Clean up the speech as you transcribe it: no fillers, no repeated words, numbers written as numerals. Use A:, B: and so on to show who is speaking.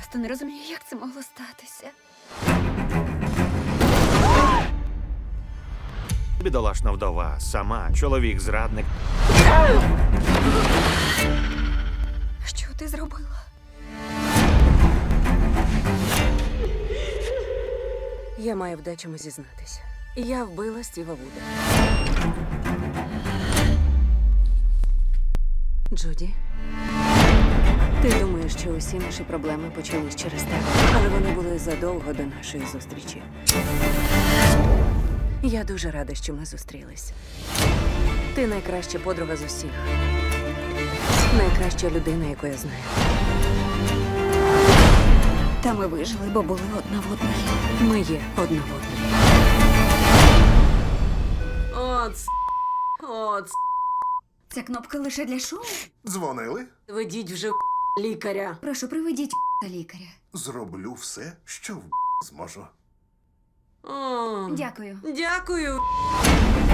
A: просто не розумію, як це могло статися.
B: Бідолашна вдова, сама, чоловік зрадник.
A: Що ти зробила?
C: Я маю в дечому зізнатися. Я вбила Стіва Вуда. Джуді, ти думаєш, що усі наші проблеми почались через тебе, але вони були задовго до нашої зустрічі. Я дуже рада, що ми зустрілись. Ти найкраща подруга з усіх. Найкраща людина, яку я знаю.
A: Та ми вижили, бо були одна в одній.
C: Ми є одна в одній. От,
A: Ця кнопка лише для шоу.
D: Дзвонили?
C: ведіть вже лікаря.
A: Прошу, приведіть лікаря.
D: Зроблю все, що зможу.
C: О,
A: Дякую.
C: дякую.